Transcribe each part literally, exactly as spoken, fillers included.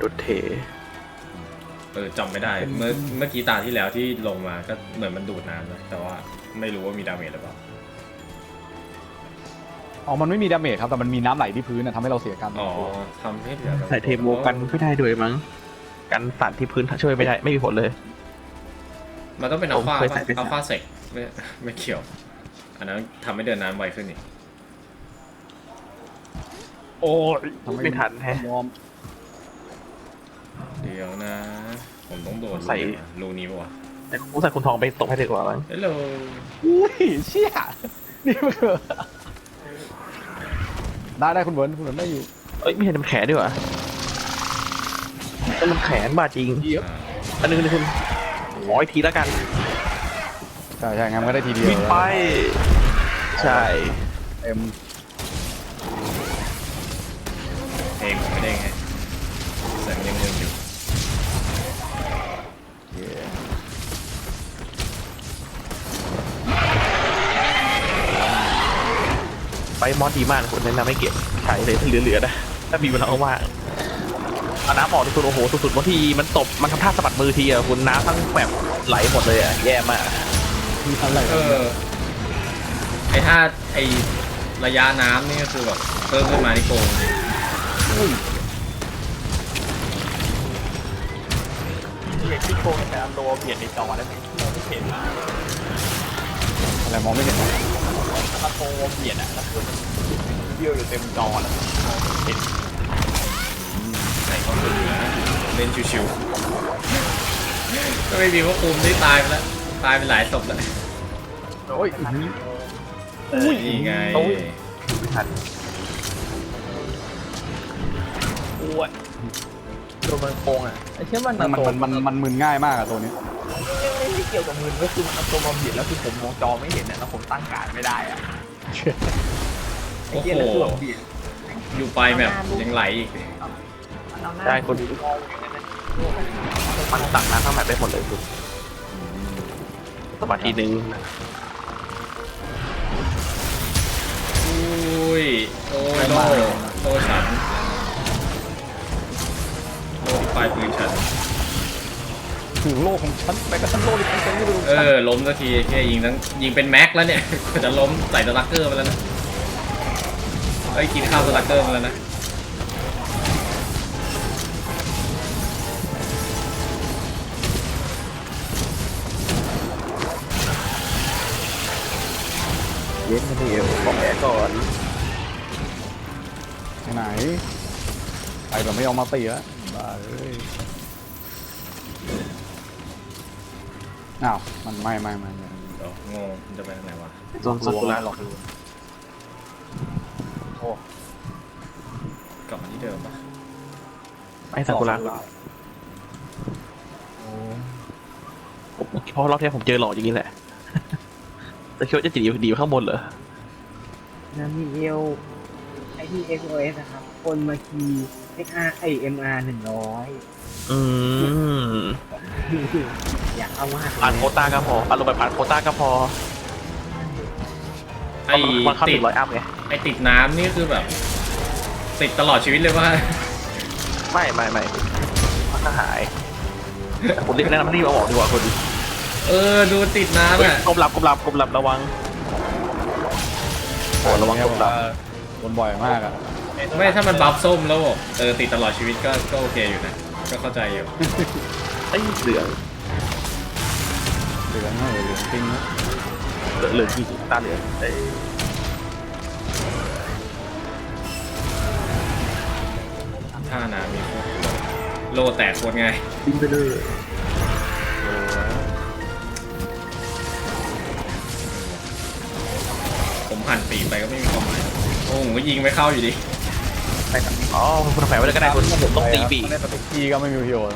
ดุดเทเออจำไม่ได้เมื่อเมื่อกี้ตาที่แล้วที่ลงมาก็เหมือนมันดูดน้ำนะแต่ว่าไม่รู้ว่ามีดาเมจหรือเปล่าอ๋อมันไม่มีดาเมจครับแต่มันมีน้ำไหลที่พื้นนะทำให้เราเสียกันอ๋อทำให้เหลือใส่เทโมกันไม่ได้ด้วยมั้งกันสั่นที่พื้นช่วยไม่ได้ไม่มีผลเลยมันต้องเป็นอัลฟาผมเคยใส่ไปอัลฟาเซกไม่ไม่เกี่ยวอันนั้นทำให้เดินน้ำไวขึ้นนี่โอ้ยไม่ทันแฮะยอมเดี๋ยวนะ ผมต้องโดนใส่รูนี้ป่ะวะแต่กูใส่คุณทองไปตกให้ดีกว่ามั้งเฮ้ยเราอุ้ยเชี่ยนี่มันคือได้ได้คุณเบิร์นคุณเบิร์นได้อยู่เอ้ยไม่เห็นมันแขนด้วยวะแต่มันแขนบาดจริงเยอะอันนึงนึงคุณขออีกทีแล้วกันใช่ใช่งั้นมันก็ได้ทีเดียววิ่งไปใช่เต็มเพลงผมไม่ได้ไงแสงยังยังอยู่ไปมอสดีมากคุณแนะนำให้เก็บใช้เลยถ้าเหลือๆนะถ้ามีเวลาว่างเอาน้ำออกที่คุณโอ้โหสุดๆบางทีมันตบมันทำท่าสะบัดมือทีอะคุณน้ำทั้งแบบไหลหมดเลยอะแย่มากมีอะไรเออไอถ้าไอระยะน้ำนี่ก็คือแบบเพิ่มขึ้นมาที่โกงจริงเห็นที่โคงแต่อันโลเปลี่ยนในจอได้ไหมไม่เห็นมากอะไรมองไม่เห็นนะอันโลเปลี่ยนอะแล้วคือมันเบี้ยวอยู่เต็มจอแล้วเห็นใส่เข้าไปนะเล่นชิวๆก็ไม่มีว่าคุมได้ตายไปแล้วตายไปหลายศพแล้วโอ้ยอุ้ยนี่ไงไม่ทันอ้วนตัวมันโกงอ่ะไอ้เชื่อมันมันมันมันมันมึนง่ายมากอะตัวนี้ไม่ไม่เกี่ยวกับมือก็คือมันเอาตัวมาเบียดแล้วคือผมมองจอไม่เห็นเนี่ยแล้วผมตั้งการไม่ได้อ่ะไอ้โอ้เหี้ยโหแล้วคือแบบเบียดอยู่ไปแบบยังไหลอีกได้คนมันตักน้ำทั้งแบบได้หมดเลยคุณสมาทีนึงอุ้ยโอ้ยโลโลฉันโลที่ปลายปืนฉันถึงโลกของฉันไปกับฉันโลกที่ฉันไม่รู้เออล้มสักทีแค่ยิงทั้งยิงเป็นแม็กแล้วเนี่ย จะล้มใส่สลักเกอร์มาแล้วนะเอ้ยกินข้าวสลักเกอร์มาแล้วนะเย็นมาดีขอแผลก่อนไหนไปแบบไม่ยอมมาตีแล้วบ้าเลยอ้าวมันไม่ไม่ไม่ไม่เดี๋ยวงงมันจะไปทางไหนวะโดนสักุระหรอกโอ้กลับมาที่เดิมปะไอ้สักุระผมเพราะรอบที่ผมเจอหลอกอย่างนี้แหละแต่คิดว่าจะจีดีข้างบนเหรอน้ำมีเอลไอที่ เอ็กซ์ โอ เอส นะครับคนมาคีย์ เอ็กซ์ อาร์ ไอ เอ็ม อาร์ หนึ่งร้อยอืมอยากเอามากผ่านโควต้าก็พออารมณ์แบบผ่านโควต้าก็พอไอ้มันเข้าหติดนึ่งร้อยอัพไงไอ้ติดน้ำนี่คือแบบ ติดตลอดชีวิตเลยว่าไม่ไม่ไม่มันก็หายแต่ผมรีบแนะนำให้รีบเอาออกดีกว่าคนเออดูติดน้ำอ่ะกลมหลับกลมหลับกลมหลับระวังโอ้ระวังกลมหลับโดนบ่อยมากอะไม่ถ้ามันบัฟส้มแล้วบอกเออติดตลอดชีวิตก็ก็โอเคอยู่นะก็เข้าใจอยู่ไอ้เหลืองเหลืองเหรอเหลืองจริงนะเหลืองเหลืองจริงตาเหลืองไอ้ท่าน้ำมีพวกโลแตกโคตรง่ายบินไปเลยผมหันปีกไปก็ไม่มีความหมายโอ้โหก็ยิงไม่เข้าอยู่ดีไปครับอ๋อคุณแฝงไว้เลยก็ได้คุณผมต้องตีปีกได้สติกกี้ก็ไม่มีประโยชน์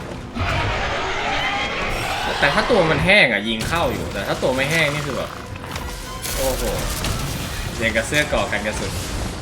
แต่ถ้าตัวมันแห้งอ่ะยิงเข้าอยู่แต่ถ้าตัวไม่แห้งนี่คือแบบโอ้โหยังกับเสื้อก่อกันกระสุน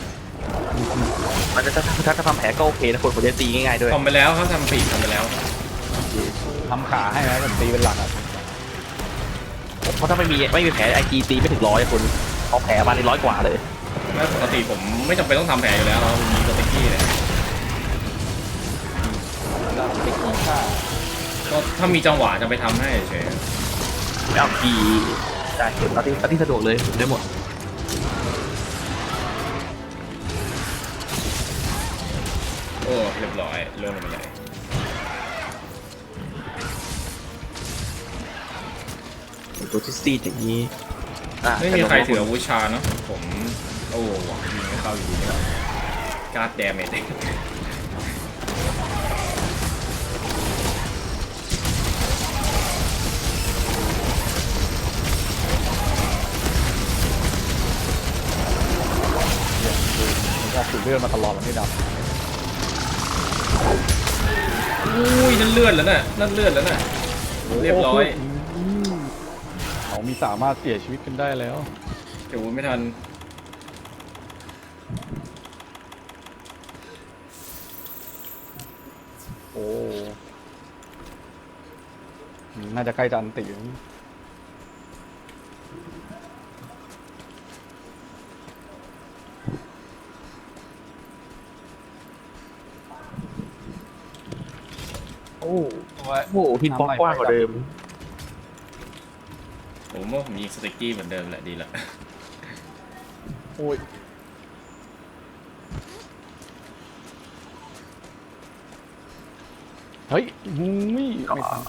มันจะถ้าถ้าทำแผลก็โอเคนะคนผมจะตีง่ายๆด้วยทำไปแล้วเขาทำปีกทำไปแล้วทำขาให้นะผมตีเป็นหลักอะเพราะถ้าไม่มีไม่มีแผลไอจีตีไม่ถึงร้อยคนเอาแผลมาในร้อยกว่าเลยไม่ปกติผมไม่จำเป็นต้องทำแผลอยู่แล้วเรามีสติกกี้เลยได้ไม่กี่ค่าก็ถ้ามีจังหวะจะไปทำให้เฉยเอากีได้เห็นตอนที่ตอนที่สะดวกเลยได้หมดโอ้เรียบร้อยล่วงลงไปเลยตัวที่ซีดอย่างนี้อ่ะไม่มีใครถืออาวุธชาเนาะผมโอ้หวังยิงไม่เข้าอยู่ดีนี่หว่าการ์ดแดเมจมันก็สูดเลือดมาตลอดแล้วไม่ดับอุ้ยนั่นเลือดแล้วน่ะนั่นเลือดแล้วน่ะเรียบร้อยเขามีสามารถเสียชีวิตกันได้แล้วเดี๋ยวไม่ทันโอ้น่าจะใกล้จะอันติแล้วโอ้โหทินบล็อกกว้างกว่าเดิมผมว่าผมยิงสติกกี้เหมือนเดิมแหละดีละโอ้ยเฮ้ยมุ้ยไม่ทัน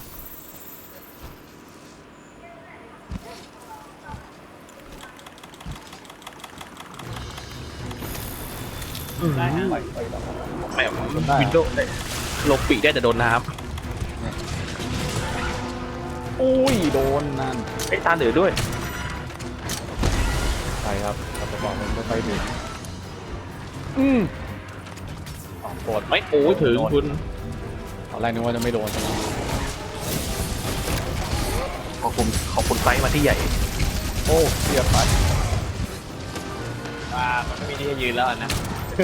ได้ฮะไปไปแล้วแหมวินโดว์ลงปีกได้แต่โดนน้อุ้ยโดนนั่นำไอ้ตาเหลือด้วยใช่ครับแต่จะบอกมันไม่ไปถึงอืมอ๋อกดไม่โอ้ยถึงคุณตอนแรกนึกว่าจะไม่โดนขอบคุณขอบคุณไซส์มาที่ใหญ่โอ้เสียบไปว่ามันไม่มีที่จะยืนแล้วนะ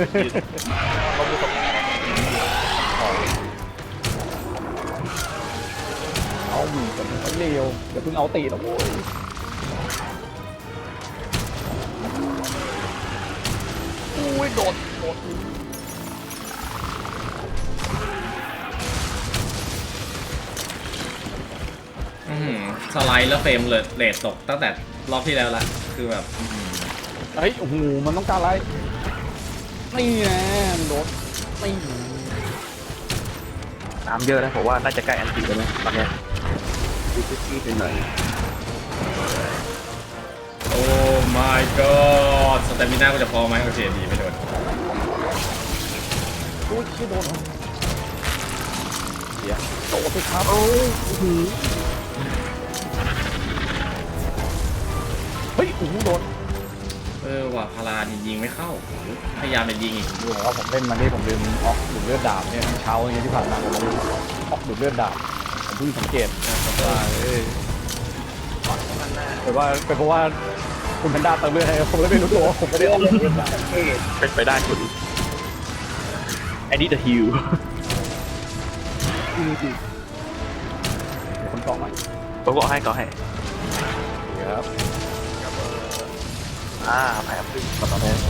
เอาอยู่กับมันเร็วเดี๋ยวเพิ่งเอาตีแล้วโว้ยอุ้ยโดดโดดอื้อหือสไลด์แล้วเฟรมเลยเรทตกตั้งแต่รอบที่แล้วละคือแบบอื้อหือเฮ้ยโอ้โหมันต้องการอะไรนี่แน่โดดนี่น้ำเยอะนะผมว่าน่าจะใกล้อันติแล้วนะตอนเนี้ยดูซีดๆไปหน่อยโอ้ my god สเตมิน่าก็จะพอไหมโอเคดีไม่โดนอุ้ยชื่อโดนเหรอเดี๋ยวโดดสิครับโอ้โหเฮ้ยโอ้โหโดนเออว่ะพารานี่ยิงไม่เข้าพยายามจะยิงอีกดูเหรอว่าผมเล่นมานี่ผมลืมออกดูดเลือดดาบเนี่ยเช้าอย่างเงี้ยที่ผ่านมาผมลืมออกดูดเลือดดาบผมเพิ่งสังเกตว่าเออแต่ว่าเป็นเพราะว่าคุณแพนด้าเติมเลือดให้ผมเลยไม่รู้ตัวว่าผมไม่ได้ออกดูดเลือดดาบเป็นไปได้คุณไอ้นี่ the heal คนกล่องไหมผมก็ให้ก็ให้ครับอ่าแพ้พึ่งตอนนี้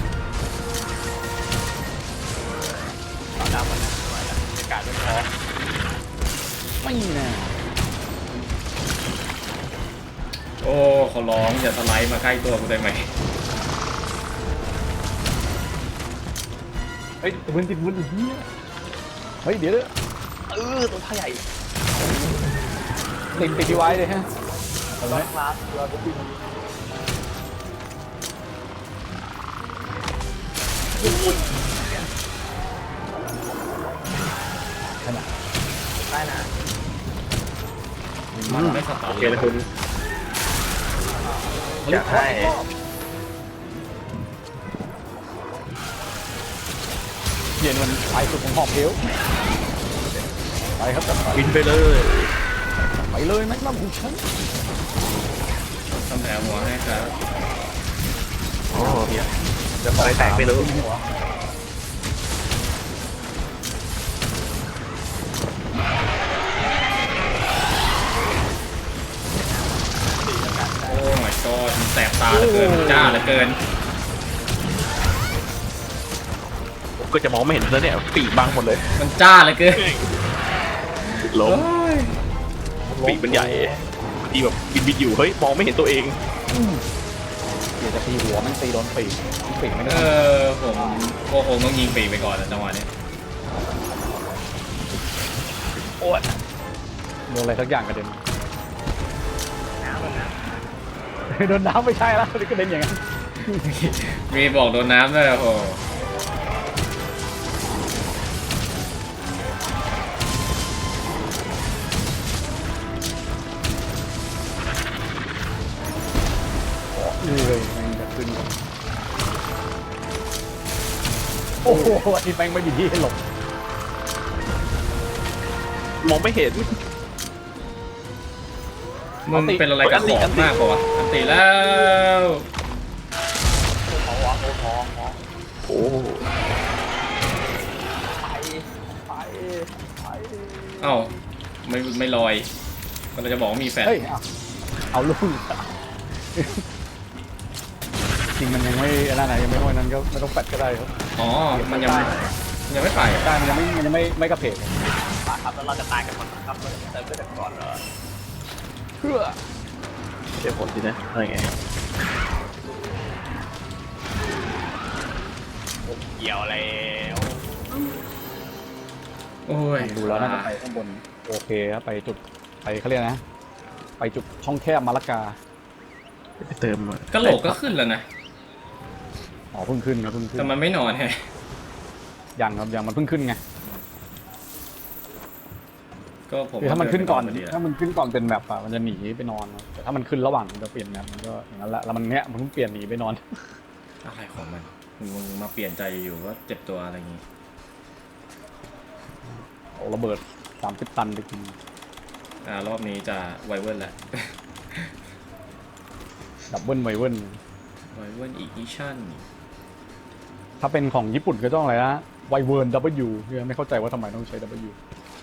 ต่อดาวมันนะไม่ไหวแล้วอากาศไม่พอไม่แน่โอ้ขอร้องอย่าสไลด์มาใกล้ตัวกูได้ไหมเฮ้ยติดมือติดมือติดมือเฮ้ยเดี๋ยวเออตัวท่าใหญ่ติดติดที่ไว้เลยฮะเอาไหมคลาสเราจะบินขนาดได้นะมันไม่สตาโอร์เคนะคุณอยากให้เย็นมันไปสุดของหอบเพลวไปครับจัดไปบินไปเลยไปเลยแม็กนัมของฉันทำแผลหัวให้ครับโอ้เฮียจะอะไรแตกไม่รู้หัวโอ้ my god มันแสบตาเหลือเกินมันจ้าเหลือเกินผมก็จะมองไม่เห็นแล้วเนี่ยปีกบังหมดเลยมันจ้าเหลือเกินล้มโอ้ยปีกมันใหญ่บางทีแบบบินบินอยู่เฮ้ยมองไม่เห็นตัวเองเดี๋ยวจะตีหัวมันตีโดนปีกปีกไม่ได้เออผมก็คงต้องยิงปีกไปก่อนนะจังหวะนี้โอ้ยโดนอะไรสักอย่างกระเด็นน้ำมันนะโดนน้ำไม่ใช่แล้วนี่กระเด็นอย่างนั้นมีบอกโดนน้ำด้วยโอ้โหนี่เลยมันจะขึ้นโอ้โหอันนี้แม่งไม่มีที่ให้หลบมองไม่เห็นมึงเป็นอะไรกันของมากกว่าวะอันติแล้วโอ้เอ้าไม่ไม่ลอยมันจะบอกว่ามีแฟนเฮ้ยเอาเอาลูกจริงมันยังไม่นั่นไหนยังไม่ห้อยนั้นก็ไม่ต้องแฟดก็ได้ครับอ๋อมันยังยังไม่ไปใช่มันยังไม่มันยังไม่ไม่กระเพกครับแล้วเราจะตายกันหมดครับเราจะเติมเลือดก่อนเหรอเพื่อเดี๋ยวผลสินะอะไรไงเกี่ยวแล้วโอ้ยดูแล้วน่าจะไปข้างบนโอเคครับไปจุดไปเขาเรียกนะ ไปจุดช่องแคบมาละกาไปเติมกระโหลกก็ขึ้นแล้วนะอ๋อเพิ่งขึ้นครับเพิ่งขึ้นแต่มันไม่นอนไงยังครับยังมันเพิ่งขึ้นไงก็ผมคือถ้ามันขึ้นก่อนพดีแหละถ้ามันขึ้นก่อนเป็นแบบอ่ะมันจะหนีไปนอนครับแต่ถ้ามันขึ้นระหว่างมันจะเปลี่ยนแมปมันก็อย่างนั้นแหละแล้วมันเนี้ยมันเพิ่งเปลี่ยนหนีไปนอนอะไรของมันมึงมาเปลี่ยนใจอยู่ๆก็เจ็บตัวอะไรอย่างงี้เอาระเบิดสามสิบตันไปกินอ่ารอบนี้จะไวเวิร์นแหละดับเบิลไวเวิลไวเวิร์นอีดิชั่นถ้าเป็นของญี่ปุ่นก็ต้องอะไรนะไวเวิร์น W เนี่ยไม่เข้าใจว่าทำไมต้องใช้ W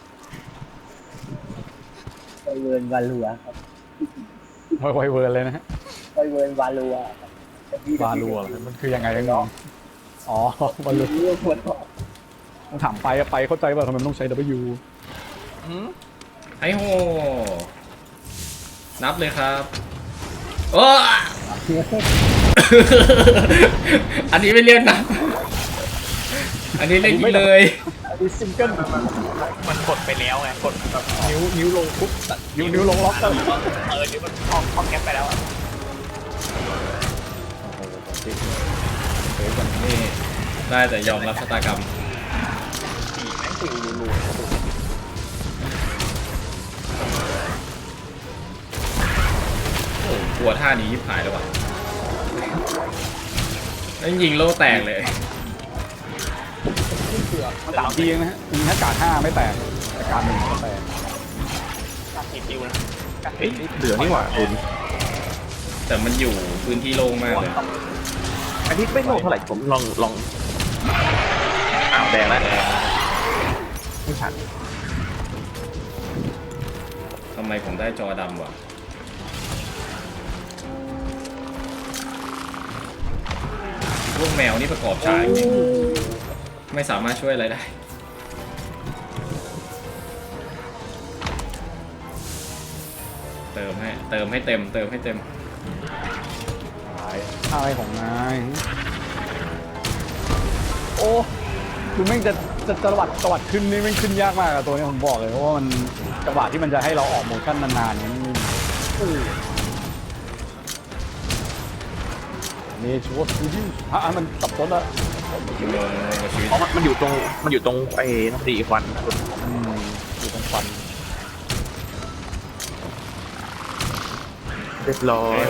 ไวเวิร์นวาลัวครับไวไวเวิร์นเลยนะฮะไวเวิร์นวาลัวครับบาลัวเหรอมันคือยังไงกันน้องอ๋อวาลัวเรื่องปวดท้องต้องถามไปอะไปเข้าใจว่าทำไมมันต้องใช้ W ไอ้โหนับเลยครับโอ้ อันนี้ไม่เรียกนับอันนี้เรียกยิงเลยอันนี้ซิงเกิลมันกดไปแล้วไงกดแบบนิ้วนิ้วลงปุ๊บนิ้วนิ้วลงล็อกเลยเออนิ้วมันคล้องคล้องแก๊ปไปแล้วอะนี่ได้แต่ยอมรับชะตากรรมสี่แม่งสี่รูรูโอ้กลัวท่านี้ยิบหายแล้ววะนั่นยิงโล่แตกเลยมันสามทีเองนะฮะยิงถ้ากาดห้าไม่แตกแต่กาดหนึ่งก็แตกการติดคิวนะเอ้ยเหลือนี่หว่าคุณแต่มันอยู่พื้นที่โล่งมากเลยอันนี้ไม่โลเท่าไหร่ผมลองลองอ้าวแดงแล้วไม่ชันทำไมผมได้จอดำวะพวกแมวนี่ประกอบฉากจริงๆไม่สามารถช่วยอะไรได้ เติมให้เติมให้เต็ม เติมให้เต็มอะไรของนายโอ้คือแม่งจะจะจังหวัดจังหวัดขึ้นนี่แม่งขึ้นยากมากอะตัวนี้ผมบอกเลยเพราะว่ามันจังหวะที่มันจะให้เราออกโมชั่นนานๆเนี่ยมันนี่ชัวร์ดูดิฮะมันสับสนละอยู่ลงกับชีวิตเพราะมันอยู่ตรงมันอยู่ตรงไอ้น้ำดีควันคุณอืมอยู่ตรงฟันเรียบร้อยโอ้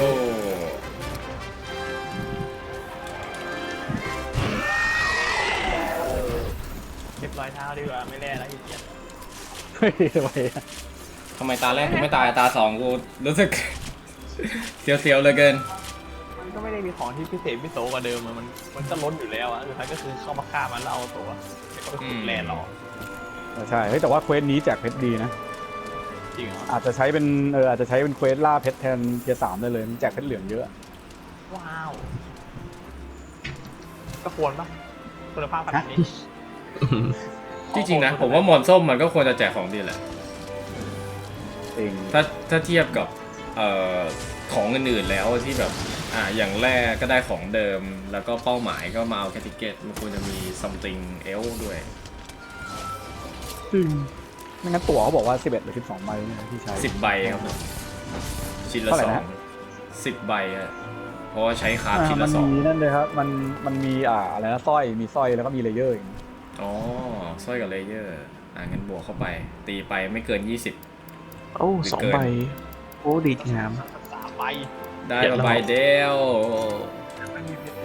เรียบร้อยเท้าดีกว่าไม่แล่แล้วขี้เกียจเฮ้ยทำไมอะทำไมตาแรกกูไม่ตายตาสองกูรู้สึก เสียวๆเหลยเกินมันก็ไม่ได้มีของที่พิเศษพิโสกว่าเดิมอะมันมันก็ล้นอยู่แล้วอ่ะสุดท้ายก็คือเข้ามาฆ่ามันแล้วเอาตัวแล้วก็ไปขุดแร่หรอใช่เฮ้ยแต่ว่าเควสนี้แจกเพชรดีนะจริงเหรออาจจะใช้เป็นเอออาจจะใช้เป็นเควสล่าเพชรแทนเทียร์สามได้เลยมันแจกเพชรเหลืองเยอะว้าวก็ควรปะคุณภาพขนาดนี้จริงๆนะ ผมว่ามอนส้มมันก็ควรจะแจกของดีแหละเองถ้าถ้าเทียบกับเอ่อของอื่นๆแล้วที่แบบอ่าอย่างแรกก็ได้ของเดิมแล้วก็เป้าหมายก็มาเอาแคติเกตมันควรจะมี something else ด้วยจริงไม่งั้นตั๋วเขาบอกว่าสิบเอ็ดหรือสิบสองใบเนี่ยที่ใช้สิบใบครับผมชิ้นละเท่าไหร่สองนะสิบใบอะเพราะว่าใช้คราฟอ่าชิ้นมัละนสองมีนั่นเลยครับมันมันมีอ่าอะไรนะสร้อยมีสร้อยแล้วก็มีเลเยอร์อีกอ๋อสร้อยกับเลเยอร์อ่างั้นบวกเข้าไป ตีไปไม่เกิน ยี่สิบโอ้สองใบโอ้ดีงามสามใบได้มาใบเดียว